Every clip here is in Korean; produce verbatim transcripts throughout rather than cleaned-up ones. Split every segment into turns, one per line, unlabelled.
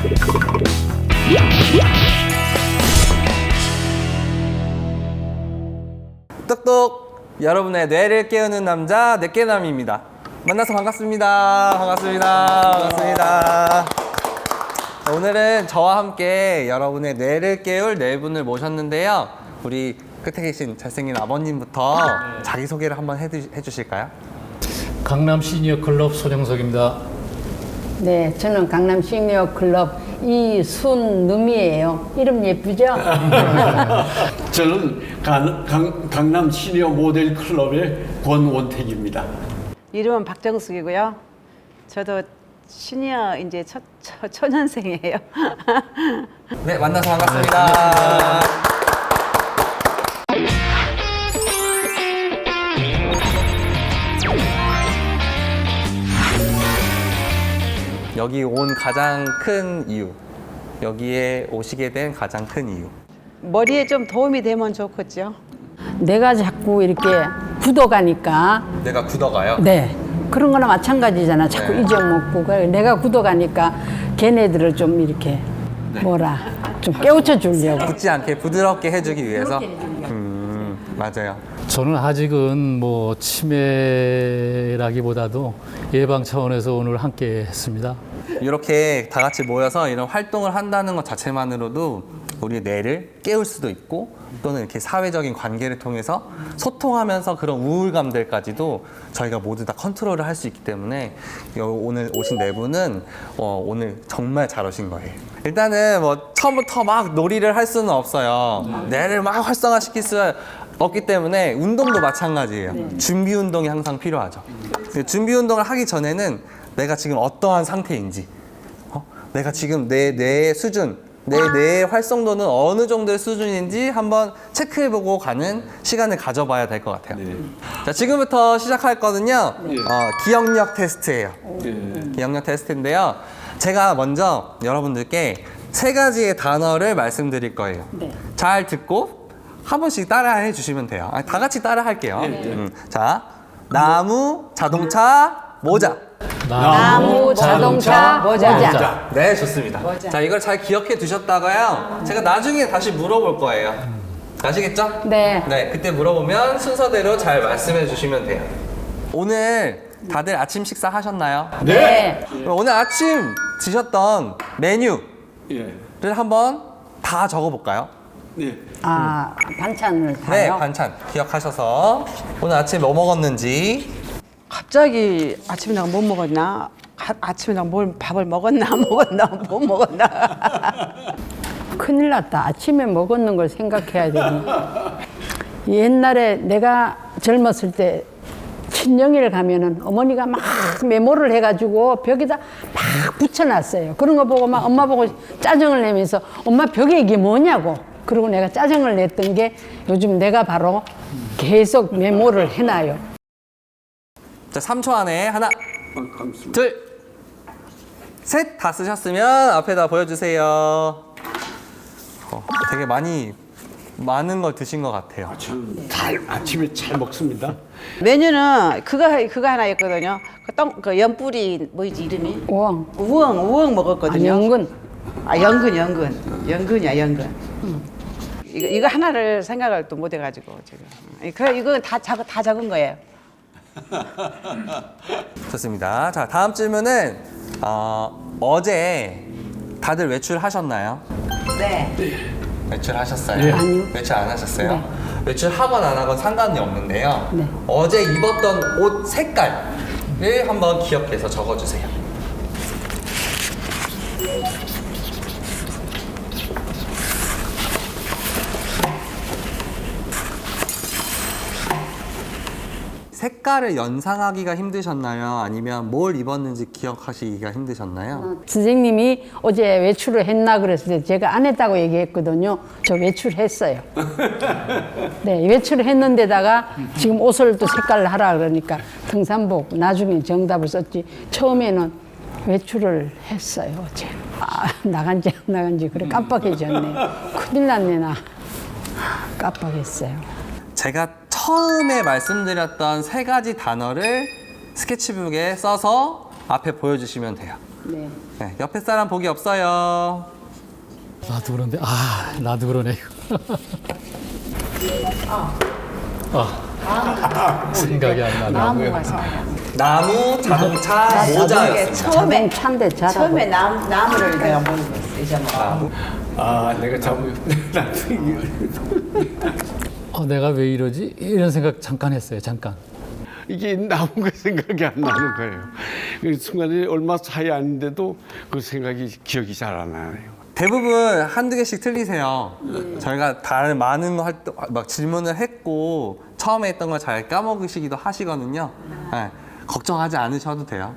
똑똑! 여러분의 뇌를 깨우는 남자 뇌깨남입니다. 만나서 반갑습니다. 반갑습니다. 반갑습니다. 오늘은 저와 함께 여러분의 뇌를 깨울 네 분을 모셨는데요. 우리 끝에 계신 잘생긴 아버님부터 자기소개를 한번 해주, 해주실까요?
강남 시니어 클럽 손영석입니다.
네, 저는 강남 시니어 클럽 이순누미예요. 이름 예쁘죠?
저는 강, 강, 강남 시니어 모델 클럽의 권원택입니다.
이름은 박정숙이고요. 저도 시니어 이제 첫, 첫 초년생이에요.
네, 만나서 반갑습니다. 여기 온 가장 큰 이유, 여기에 오시게 된 가장 큰 이유.
머리에 좀 도움이 되면 좋겠죠.
내가 자꾸 이렇게 굳어가니까,
내가 굳어가요?
네, 그런 거나 마찬가지잖아. 자꾸
네.
잊어먹고. 그래, 내가 굳어가니까 걔네들을 좀 이렇게 뭐라 좀 깨우쳐 주려고.
굳지 않게 부드럽게 해주기 위해서. 음, 맞아요.
저는 아직은 뭐 치매라기보다도 예방 차원에서 오늘 함께 했습니다.
이렇게 다 같이 모여서 이런 활동을 한다는 것 자체만으로도 우리의 뇌를 깨울 수도 있고, 또는 이렇게 사회적인 관계를 통해서 소통하면서 그런 우울감들까지도 저희가 모두 다 컨트롤을 할 수 있기 때문에 오늘 오신 네 분은 어, 오늘 정말 잘 오신 거예요. 일단은 뭐 처음부터 막 놀이를 할 수는 없어요. 뇌를 막 활성화시킬 수 없기 때문에 운동도 마찬가지예요. 준비 운동이 항상 필요하죠. 준비 운동을 하기 전에는 내가 지금 어떠한 상태인지, 어? 내가 지금 내 뇌의 수준, 내 뇌의 활성도는 어느 정도의 수준인지 한번 체크해보고 가는 시간을 가져봐야 될 것 같아요.
네.
자, 지금부터 시작할 거는요,
네.
어, 기억력 테스트예요.
네.
기억력 테스트인데요. 제가 먼저 여러분들께 세 가지의 단어를 말씀드릴 거예요.
네.
잘 듣고 한 번씩 따라해 주시면 돼요. 아니, 다 같이 따라 할게요.
네, 네.
음, 자, 나무, 자동차, 모자.
나무, 자동차, 모자.
모자. 네, 좋습니다. 자, 이걸 잘 기억해 두셨다가요, 제가 나중에 다시 물어볼 거예요. 아시겠죠?
네.
네, 그때 물어보면 순서대로 잘 말씀해 주시면 돼요. 오늘 다들 아침 식사 하셨나요?
네.
그럼 오늘 아침 드셨던 메뉴를
예.
한번 다 적어볼까요?
네.
아, 반찬을
네,
다요?
반찬 기억하셔서 오늘 아침 뭐 먹었는지.
갑자기 아침에 내가 못 먹었나? 아, 아침에 내가 뭘 밥을 먹었나? 먹었나? 못 먹었나?
큰일 났다. 아침에 먹었는 걸 생각해야 되니. 옛날에 내가 젊었을 때 친정일 가면은 어머니가 막 메모를 해가지고 벽에다 막 붙여놨어요. 그런 거 보고 막 엄마 보고 짜증을 내면서 엄마 벽에 이게 뭐냐고. 그리고 내가 짜증을 냈던 게 요즘 내가 바로 계속 메모를 해놔요.
자, 삼 초 안에 하나,
감사합니다.
둘, 셋 다 쓰셨으면 앞에다 보여주세요. 어, 되게 많이 많은 걸 드신 것 같아요.
저는 잘 아침에 잘 먹습니다.
메뉴는 그거 그거 하나 있거든요. 그 똥, 그 연뿌리 뭐지 이름이?
우엉.
우엉 우엉
아,
먹었거든요.
연근.
아 연근 연근 연근이야 연근. 이거 이거 하나를 생각을 또 못 해가지고 지금. 그 이거 다 작, 다 적은 거예요.
좋습니다. 자, 다음 질문은 어, 어제 다들 외출하셨나요?
네.
외출하셨어요?
네.
아니요.
외출 안 하셨어요?
네.
외출하건 안 하건 상관이 없는데요.
네.
어제 입었던 옷 색깔을 한번 기억해서 적어주세요. 색깔을 연상하기가 힘드셨나요? 아니면 뭘 입었는지 기억하시기가 힘드셨나요?
선생님이 어제 외출을 했나 그랬을 때 제가 안 했다고 얘기했거든요. 저 외출했어요. 네, 외출을 했는데다가 지금 옷을 또 색깔을 하라 그러니까 등산복 나중에 정답을 썼지. 처음에는 외출을 했어요, 어제. 아, 나간지 안 나간지 그래 깜빡해졌네. 큰일 났네 나. 깜빡했어요.
제가 처음에 말씀드렸던 세 가지 단어를 스케치북에 써서 앞에 보여주시면 돼요.
네.
네, 옆에 사람 복이 없어요.
나도 그런데 아 나도 그러네. 아 생각이 안 나네.
나무가 생각이 안 나.
나무, 자동차,
이게
모자였습니다.
처음에
자동차인데 잘하고.
처음에 나무 나무를 내가 모르겠어 이제 뭐.
아, 내가 잘못
어, 내가 왜 이러지? 이런 생각 잠깐 했어요. 잠깐.
이게 나무가 생각이 안 나는 거예요. 그 순간에 얼마 차이 아닌데도 그 생각이 기억이 잘 안 나요.
대부분 한두 개씩 틀리세요. 저희가 다른 많은 활동, 막 질문을 했고 처음에 했던 걸 잘 까먹으시기도 하시거든요. 네, 걱정하지 않으셔도 돼요.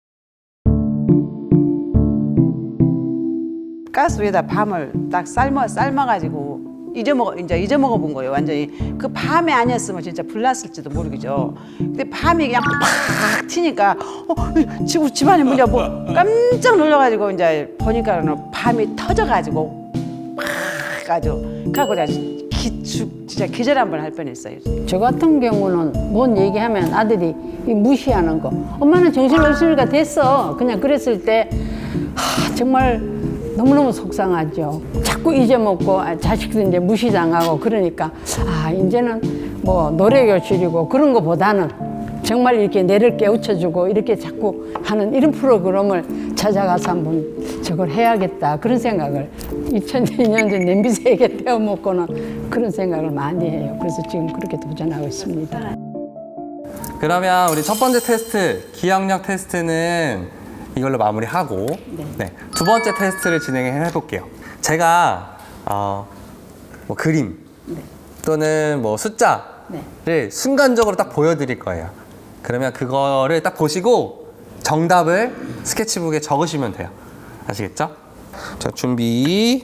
가스 위에다 밤을 딱 삶아 삶아가지고 잊어먹어 이제 잊어먹어 본 거예요 완전히. 그 밤에 아니었으면 진짜 불났을지도 모르겠죠. 근데 밤이 그냥 팍 튀니까 어 집 집안에 뭐냐 뭐 깜짝 놀라가지고 이제 보니까는 밤이 터져가지고 팍 아주 그래갖고 내가 기축 진짜 기절 한번 할 뻔했어요.
저 같은 경우는 뭔 얘기하면 아들이 이 무시하는 거. 엄마는 정신없으니까 됐어. 그냥 그랬을 때 하, 정말 너무너무 속상하죠. 자꾸 잊어먹고 아, 자식들 이제 무시당하고 그러니까 아 이제는 뭐 노래교실이고 그런 거보다는 정말 이렇게 뇌를 깨우쳐주고 이렇게 자꾸 하는 이런 프로그램을 찾아가서 한번 저걸 해야겠다 그런 생각을 이천이 년 전 냄비 세 개 태워 먹고는 그런 생각을 많이 해요. 그래서 지금 그렇게 도전하고 있습니다.
그러면 우리 첫 번째 테스트, 기억력 테스트는 이걸로 마무리하고 네, 두 번째 테스트를 진행해 볼게요. 제가 어, 뭐 그림 또는 뭐 숫자를
네.
순간적으로 딱 보여드릴 거예요. 그러면 그거를 딱 보시고 정답을 스케치북에 적으시면 돼요. 아시겠죠? 자, 준비.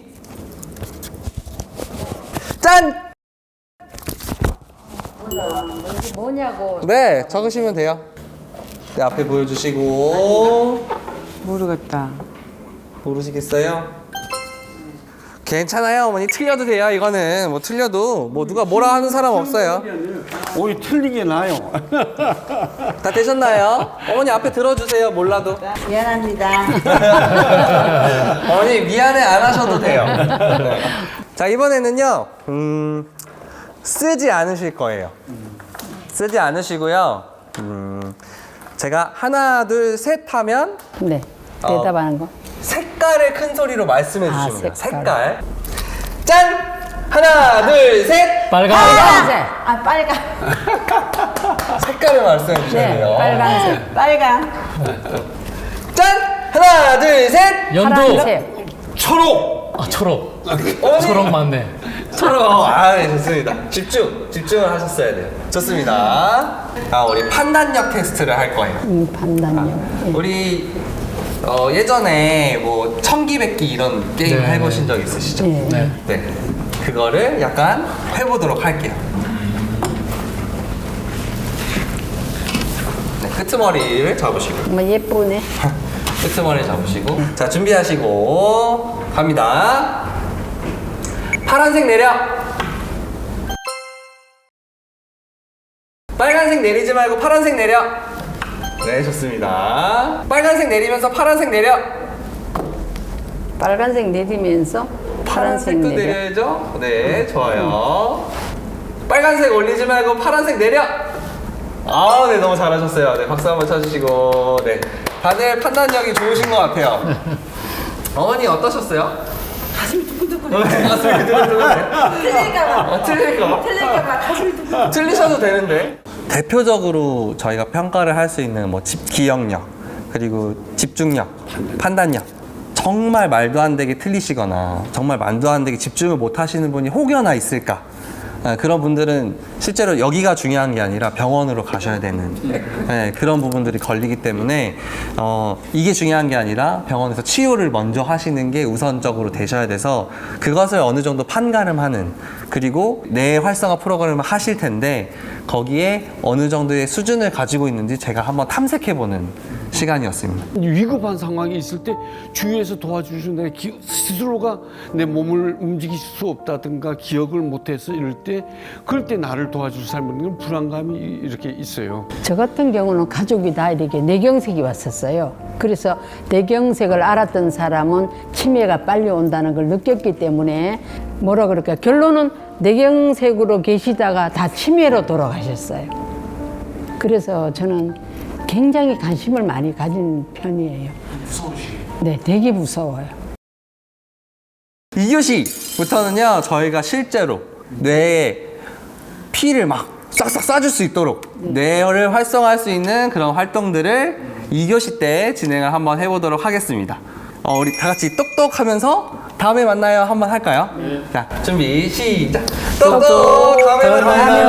짠!
뭐냐고.
네, 적으시면 돼요. 네, 앞에 보여주시고.
모르겠다.
모르시겠어요? 괜찮아요, 어머니. 틀려도 돼요, 이거는. 뭐 틀려도. 뭐 누가 뭐라 하는 사람 없어요.
오히 틀리게 나요.
다 되셨나요? 어머니 앞에 들어주세요, 몰라도.
미안합니다.
어머니 미안해 안 하셔도 돼요. 네. 자, 이번에는요, 음, 쓰지 않으실 거예요. 쓰지 않으시고요. 음, 제가 하나, 둘, 셋 하면
네.
어.
대답하는 거.
색깔을 큰 소리로 말씀해
아,
주시면 돼요.
색깔.
색깔. 짠! 하나, 둘, 셋!
빨간.
빨간색.
아 빨간.
색깔을 말씀해 주셔야
네,
돼요.
빨간색.
빨간.
짠! 하나, 둘, 셋!
연두.
파란색.
초록!
아 초록.
어머니!
초록 맞네.
초록! 아, 네, 좋습니다. 집중! 집중을 하셨어야 돼요. 좋습니다. 아, 우리 판단력 테스트를 할 거예요.
음, 판단력. 예.
우리 어, 예전에 뭐 청기백기 이런 게임
네.
해보신 적 있으시죠?
예.
네.
네. 그거를 약간 해보도록 할게요. 네, 끄트머리를 잡으시고.
정말 예쁘네.
끄트머리 잡으시고. 자, 준비하시고 갑니다. 파란색 내려. 빨간색 내리지 말고 파란색 내려. 네, 좋습니다. 빨간색 내리면서 파란색 내려.
빨간색 내리면서 파란색
파란색도
내려.
내려야죠. 네, 좋아요. 빨간색 올리지 말고 파란색 내려. 아, 네, 너무 잘하셨어요. 네, 박수 한번 쳐주시고. 네, 다들 판단력이 좋으신 것 같아요. 어머니 어떠셨어요?
가슴이 두근두근해.
네, 가슴이 두근두근해.
틀릴까봐.
어, 틀릴까?
틀릴까봐 가슴이 두근.
틀리셔도 되는데. 대표적으로 저희가 평가를 할 수 있는 뭐 집 기억력, 그리고 집중력, 판단력. 정말 말도 안 되게 틀리시거나 정말 말도 안 되게 집중을 못 하시는 분이 혹여나 있을까? 아, 그런 분들은 실제로 여기가 중요한 게 아니라 병원으로 가셔야 되는 네, 그런 부분들이 걸리기 때문에 어, 이게 중요한 게 아니라 병원에서 치료를 먼저 하시는 게 우선적으로 되셔야 돼서 그것을 어느 정도 판가름하는 그리고 뇌 활성화 프로그램을 하실 텐데 거기에 어느 정도의 수준을 가지고 있는지 제가 한번 탐색해보는 시간이었습니다.
위급한 상황이 있을 때 주위에서 도와주시는 내 기, 스스로가 내 몸을 움직일 수 없다든가 기억을 못해서 이럴 때 그럴 때 나를 도와줄 사람은 불안감이 이렇게 있어요.
저 같은 경우는 가족이 다 이렇게 뇌경색이 왔었어요. 그래서 뇌경색을 알았던 사람은 치매가 빨리 온다는 걸 느꼈기 때문에 뭐라 그럴까 결론은 뇌경색으로 계시다가 다 치매로 돌아가셨어요. 그래서 저는 굉장히 관심을 많이 가진 편이에요. 무서우시겠어요? 네, 되게 무서워요.
이 교시부터는요, 저희가 실제로 뇌에 피를 막 싹싹 쏴줄 수 있도록 뇌를 활성화할 수 있는 그런 활동들을 이 교시 때 진행을 한번 해보도록 하겠습니다. 어, 우리 다 같이 똑똑하면서 다음에 만나요 한번 할까요? 자, 준비 시작. 똑똑 다음에 만나요.